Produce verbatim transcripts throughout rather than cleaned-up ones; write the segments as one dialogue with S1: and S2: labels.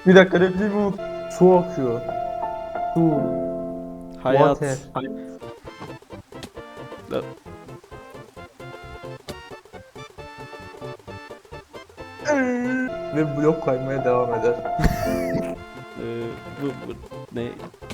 S1: Bir dakika repliğimi unut. Su akıyor. Su.
S2: Hayat.
S1: Water.
S2: La-
S1: Ve blok kaymaya devam eder.
S2: Ee, bu, bu ne?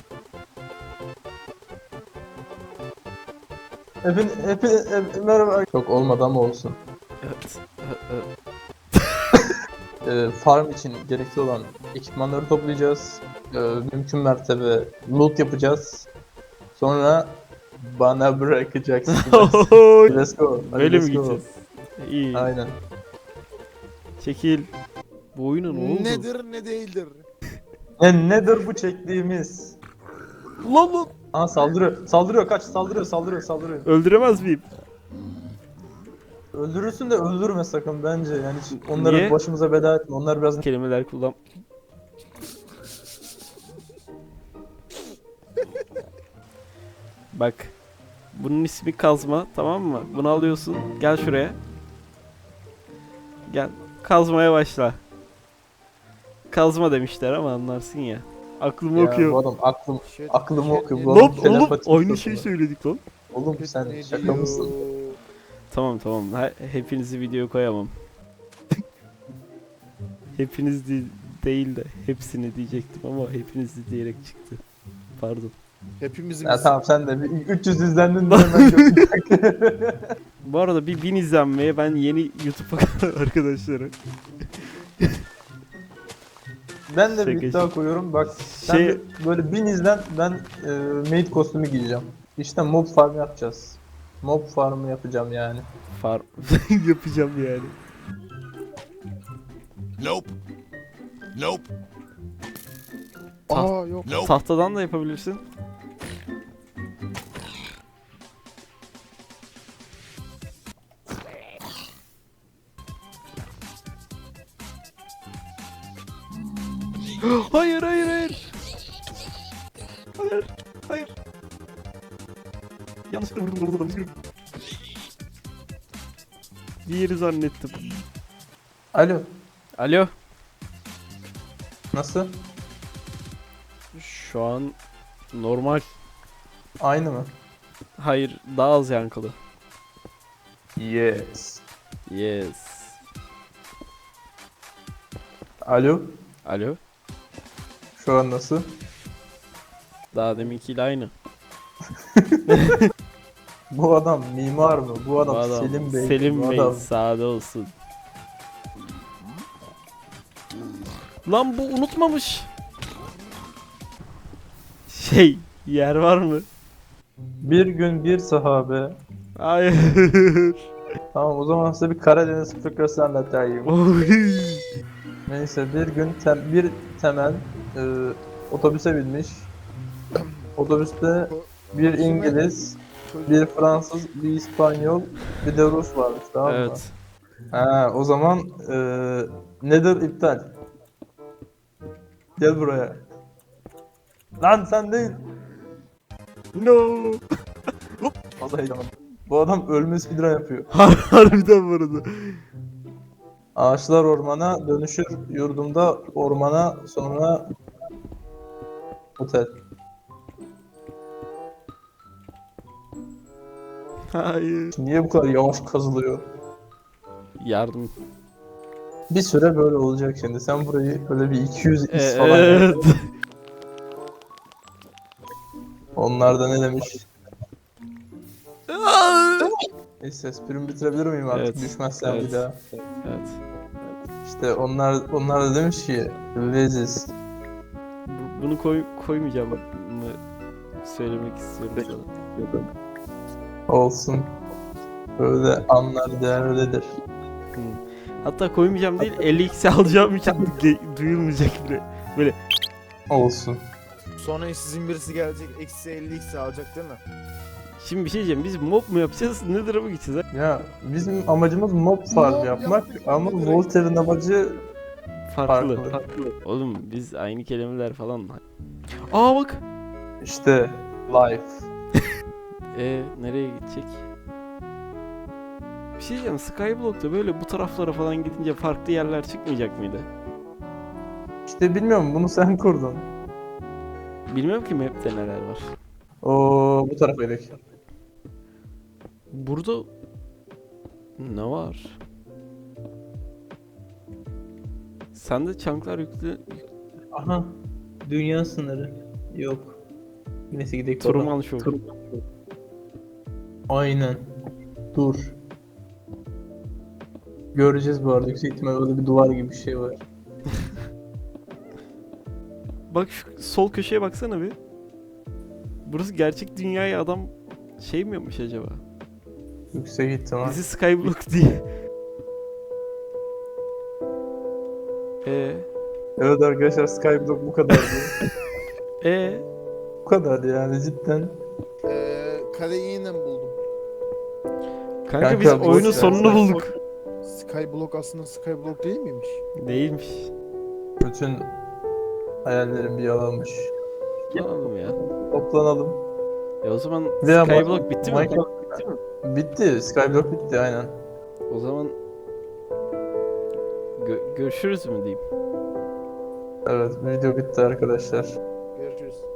S1: Efendim, efendim, merhaba. Çok olmadı ama olsun.
S2: Evet. Ee, e,
S1: Ee, farm için gerekli olan ekipmanları toplayacağız. Ee, mümkün mertebe loot yapacağız. Sonra bana bırakacaksınız. Let's go. Hadi
S2: Böyle
S1: let's
S2: mi
S1: go.
S2: gideceğiz? İyi.
S1: Aynen.
S2: Çekil. Bu oyuna ne oldu?
S3: Nedir ne değildir.
S1: Ne nedir bu çektiğimiz?
S2: Lan lan.
S1: Aa saldırıyor. Saldırıyor kaç. Saldırıyor saldırıyor saldırıyor.
S2: Öldüremez miyim?
S1: Öldürürsün de öldürme sakın bence. Yani hiç onları
S2: Niye?
S1: başımıza bela etme. Onlar biraz
S2: Kelimeler kullan. Bak. Bunun ismi kazma, tamam mı? Bunu alıyorsun. Gel şuraya. Gel. Kazmaya başla. Kazma demişler ama anlarsın ya. Aklım
S1: ya,
S2: okuyor.
S1: bu adam aklım
S3: Shit,
S1: aklımı
S3: shit,
S1: okuyor.
S3: ne
S1: Bu
S2: Lan
S1: adam
S2: oğlum
S1: telepati
S2: aynı
S1: yapıyor
S2: şeyi
S1: sana.
S2: söyledik lan.
S1: Oğlum
S3: Ne
S1: sen şaka
S3: diyor?
S1: mısın?
S2: Tamam tamam. He- hepinizi video koyamam. Hepiniz de- değil de hepsini diyecektim ama hepinizi diyerek çıktı. Pardon.
S3: Hepimizin
S1: Ya tamam sen de bir üç yüz izlendin de hemen gördüm.
S2: Bu arada bir bin izlenmeye ben yeni YouTube arkadaşları.
S1: Ben de bir
S2: Şaka
S1: iddia
S2: şaka.
S1: koyuyorum bak sen
S2: Şey-
S1: de böyle bin izlen ben e, maid kostümü giyeceğim. İşte mob farm yapacağız. Mob farmı yapacağım yani.
S2: Far yapacağım yani.
S4: Nope. Nope.
S3: Aa yok.
S4: Nope.
S2: Tahtadan da yapabilirsin. Hayır hayır hayır. Hayır hayır. Yanlışlıkla vurdum vurdum vurdum. Diğeri zannettim.
S1: Alo
S2: Alo.
S1: nasıl?
S2: Şu an normal.
S1: Aynı mı?
S2: Hayır daha az yankılı.
S1: Yes.
S2: Yes.
S1: Alo
S2: Alo.
S1: şu an nasıl?
S2: Daha deminkiyle aynı.
S1: Bu adam mimar mı? Bu adam,
S2: Bu adam
S1: Selim Bey.
S2: Selim
S1: Bu
S2: Bey
S1: adam-
S2: sade olsun. Lan bu unutmamış. Şey yer var mı?
S1: Bir gün bir sahabe.
S2: Hayır.
S1: Tamam o zaman size bir Karadeniz fıkrası anlatayım.
S2: Oy.
S1: Neyse bir gün tem- bir temel e, otobüse binmiş. Otobüste bir İngiliz, bir Fransız, bir İspanyol, bir de Rus varmış tamam mı?
S2: Evet.
S1: Ha, o zaman e, nedir iptal? Gel buraya. Lan sen değil.
S2: No.
S1: Fazla heyecanlandım. Bu adam ölme speedrun yapıyor.
S2: Har harbiden bu arada.
S1: Ağaçlar ormana dönüşür yurdumda ormana sonra otel.
S2: Hayır.
S1: Niye bu kadar yavaş kazılıyor?
S2: Yardım.
S1: Bir süre böyle olacak şimdi. Sen burayı böyle bir iki yüz
S2: Ee,
S1: is falan yap.
S2: evet.
S1: Onlar da ne demiş? Neyse esprimi bitirebilir miyim artık
S2: Evet,
S1: düşmezsen
S2: evet.
S1: bir daha.
S2: Evet.
S1: İşte onlar onlar da demiş ki leziz.
S2: Bu- Bunu koy koymayacağım mı söylemek istiyorum sana.
S1: Olsun. Böyle anlar değerlidir.
S2: Hı. Hatta koymayacağım değil elli x alacağım için ge- duyulmayacak bile.
S1: Olsun.
S3: Sonra sizin birisi gelecek eksi elli x alacak değil mi?
S2: Şimdi bir şey diyeceğim biz mob mu yapacağız Nether'a mı gideceğiz ha?
S1: Ya bizim amacımız mob farm
S3: Mob
S1: yapmak
S3: yaptık,
S1: ama
S3: direkt.
S1: Voltaire'in amacı
S2: Farklı.
S1: farklı.
S2: Oğlum biz aynı kelimeler falan. Aa bak.
S1: İşte life.
S2: E nereye gidecek? Bir şey diyeceğim Skyblock'ta böyle bu taraflara falan gidince farklı yerler çıkmayacak mıydı?
S1: İşte bilmiyorum, bunu sen kurdun.
S2: Bilmiyorum ki map'te neler var.
S1: Oo, bu tarafa gidelim.
S2: Burada ne var? Sende çanklar yüklü
S1: Aha. Dünya sınırı. Yok. Neyse gidelim.
S2: Truman Show.
S1: Aynen. Dur. Göreceğiz bu arada. Yüksek ihtimal orada bir duvar gibi bir şey var.
S2: Bak şu sol köşeye baksana bir. Burası gerçek dünyaya adam şey mi yapmış acaba?
S1: Yüksek ihtimal.
S2: Bizi Skyblock diye. Eee?
S1: Evet arkadaşlar, Skyblock bu kadardı.
S2: Eee?
S1: Bu kadar yani cidden.
S3: Ee, kaleyi yine buldum.
S2: Kanka,
S1: Kanka,
S2: biz
S1: boş
S2: oyunun
S1: ver
S2: sonunu
S1: sen.
S2: bulduk.
S3: Skyblock aslında Skyblock değil miymiş?
S2: Değilmiş.
S1: Bütün hayallerim bir yalanmış.
S2: Anladım ya.
S1: Toplanalım.
S2: E o zaman
S1: Veya
S2: Skyblock bitti mi?
S1: Minecraft bitti mi? Bitti. Skyblock bitti aynen.
S2: O zaman Gö- görüşürüz mü diyeyim?
S1: Evet, video bitti arkadaşlar.
S3: Görüşürüz.